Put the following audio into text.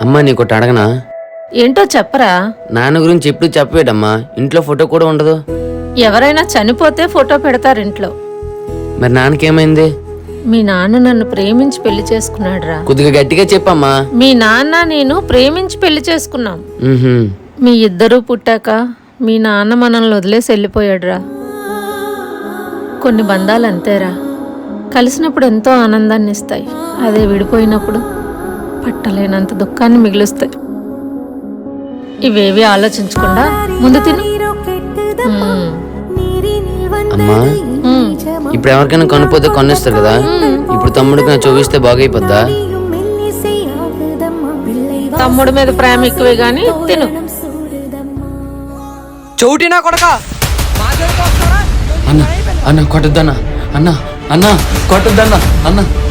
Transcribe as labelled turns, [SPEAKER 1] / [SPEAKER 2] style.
[SPEAKER 1] అమ్మా నీకోటి అడగనా?
[SPEAKER 2] ఏంటో చెప్పరా.
[SPEAKER 1] నాన్న గురించి ఎప్పుడు చెప్పవేటమ్మా, ఇంట్లో ఫోటో కూడా ఉండదు.
[SPEAKER 2] ఎవరైనా చనిపోతే ఫోటో పెడతారు ఇంట్లో.
[SPEAKER 1] మరి నాన్నకేమైంది?
[SPEAKER 2] మీ నాన్న నన్ను ప్రేమించి పెళ్లి చేసుకున్నాడురా.
[SPEAKER 1] కొద్దిగా గట్టిగా చెప్పమ్మా.
[SPEAKER 2] మీ నాన్న నేను ప్రేమించి పెళ్లి చేసుకున్నాం.
[SPEAKER 1] ఉహుం.
[SPEAKER 2] మీ ఇద్దరూ పుట్టాక మీ నాన్న మనల్ని వదిలేసి వెళ్ళిపోయాడురా. కొన్ని బంధాలు అంతేరా, కలిసినప్పుడు ఎంతో ఆనందాన్ని ఇస్తాయి, అదే విడిపోయినప్పుడు పట్టలేనంత దుఃఖాన్ని మిగులుస్తాయి. ఇవేవి ఆలోచించకుండా ముందు తిను.
[SPEAKER 1] అమ్మా ఇప్పుడు ఎవరికైనా కొనిపోతే కొనిస్తారు కదా, ఇప్పుడు తమ్ముడికి నా చూపిస్తే బాగైపోద్దా?
[SPEAKER 2] తమ్ముడి మీద ప్రేమ ఎక్కువే గాని తిను.
[SPEAKER 3] చౌటినా కొడక
[SPEAKER 1] అన్న అన్న కొట్టద్దన్నా, అన్న అన్న కొట్టద్దన్నా, అన్న